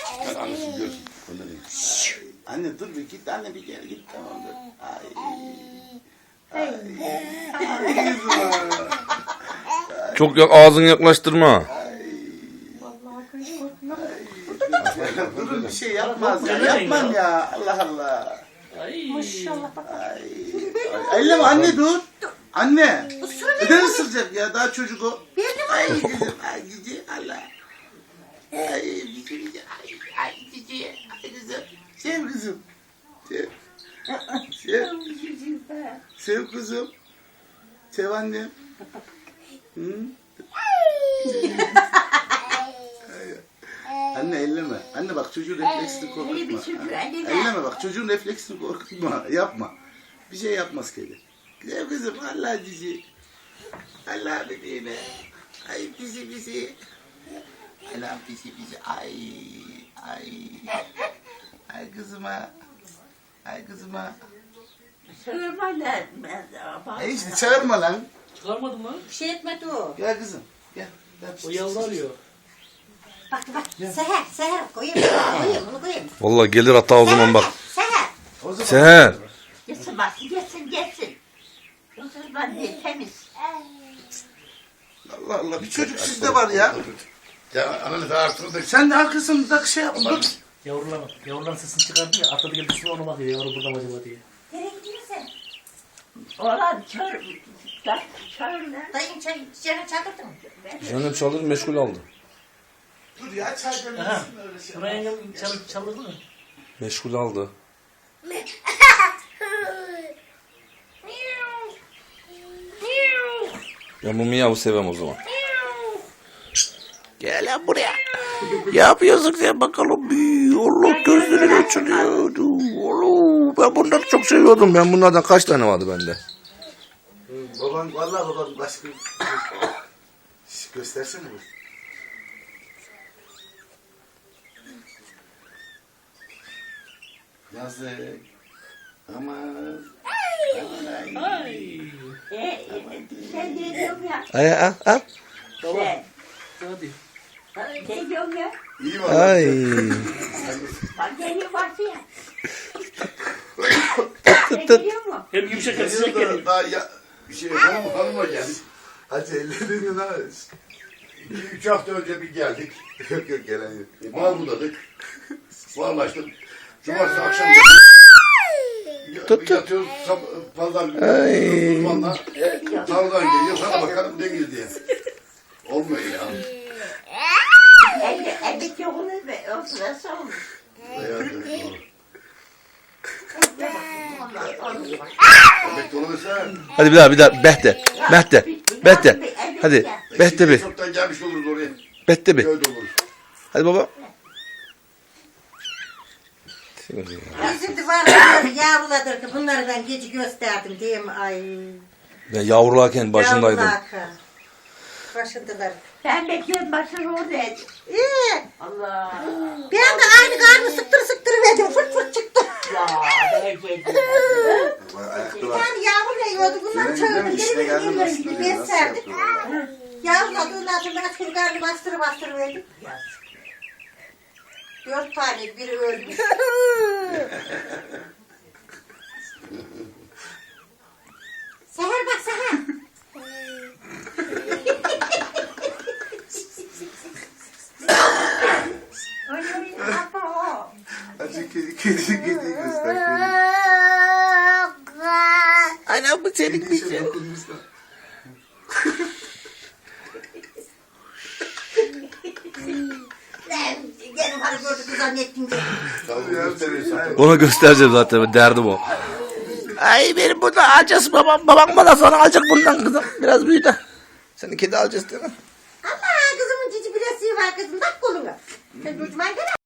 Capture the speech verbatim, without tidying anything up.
Bak annesi görsün. Anne dur bir git anne bir gel git tamam dur. Ay. Ay. Ay kızım. Çok yak ağzını yaklaştırma. Durun bir şey yapmaz ya. Yapmam ya. Allah Allah. Maşallah bak. Ay. Ay. Elleme anne dur. Anne. Neden ısıracak ya? Daha çocuk o. Ay kızım. Ay cici. Allah. Ay cici. Ay, ay cici. Ay kızım. Sev kızım. Sev. Sev. Sev kızım. Sev annem. Hı? Anne elleme. Anne bak çocuğun refleksini korkutma. Ha. Elleme bak çocuğun refleksini korkutma. Yapma. Bir şey yapmaz kedi. Güzel kızım Allah cici. Allah bebeğime. Ay bizi bizi. Allah bizi bizi. Ay. Ay. Ay kızıma. Ay kızıma. Çağırma lan. E işte çağırma lan. Çıkarmadın lan. Bir şey etmedi o. Gel kızım. Gel. O yavru arıyor. Bak bak. Seher. Seher. Koyayım. Koyayım. Bunu koyayım. Vallahi gelir hatta o zaman bak. Seher. O zaman Seher. Yesin bak. Yesin yesin. Oturma diye temiz. Allah Allah bir çocuk sizde var ya. Ya ananı da artırdık. Sen de arkasında şey yap. Dur. Yavrular, yavruların sesini çıkardı ya. Atladı geldi üstüne ona bakıyor. Yavru burada mı acaba diye. Nereye gidiyorsun? Oğlan çağır, çağır, çağır lan. Dayım çay, çiçeğine çağırdın mı? Zeynep çalır meşgul aldı. Dur ya çay Aha. demlesin öyle şey. Buraya yengem çal, çalırdı mı? Meşgul aldı. Ben bu miyavu sevmem o zaman. Gel lan buraya. Ne yapıyorsun sen bakalım? Allah gözlerini açılıyor. Allah, ben bunları çok seviyordum. Ben bunlardan kaç tane vardı bende? Baban vallahi baban başka Şş, göstersene bu. Yazık. Aman. Aman ay. Ay. E, sen ne diyorsun ya? Ay al al. Baba. Sen, Hadi. ne diyorsun ya? İyi var. Ay. Bak geliyor varsa ya. Ne geliyor mu? Hem yumuşak hem sıcak Geliyor da geliyor. daha ya Bir şey hanım hanıma geldik. hadi ellerini ne İki, üç hafta önce bir geldik. yok yok gelen yok. E, mal budadık. Varlaştık. Cumartesi akşam Tut, yatıyoruz. sab- Pazar günü uzmanla tarladan geliyor. Sana bakalım ne girdi diye. Olmuyor ya. Elde, eldeki yokunu be, o sırası olmuş. Demek olursa Hadi bir daha bir daha. Behte. Behte. Behte. Hadi. Behte bir. çoktan gelmiş oluruz oraya. Behte bir. Köyde oluruz. Hadi baba. Bizim de var ya yavruladır ki bunlardan gece gösterdim diyeyim ay. Ben yavrularken başındaydım. Yavrulaka. Başındalar. Ben bekliyorum başını oradaydı. İyi. Allah. Bir anda aynı karnı sıktır sıktır verdim. Fırt fırt çıktı. Ya bekledim. Ayakta Bir var. tane yavru veriyordu. Bunlar Senin çağırdı. değil mi? İşine Gelin geldi mi? gelin Nasıl gibi duruyor? Nasıl beslerdik. yapıyor? Yavruladığından sonra çocuk karnı bastırı bastırı verdim. Dört tane biri ölmüş. Seher bak Seher. Oy oy apa. Hadi kedi kedi kedi göster. Anam bu senin Kedi şey dokunmuşlar. Gelin hadi gördük zannettim diye. Tabii ya, seviyorsun. Ona göstereceğim zaten. Derdim o. Ay benim burada alacağız babam. Babam bana sonra alacak bundan kızım. Biraz büyü de. Seni kedi alacağız değil mi? Ama kızımın cici bilesiği var kızım. Bak koluna. Sen çocuğuma gel.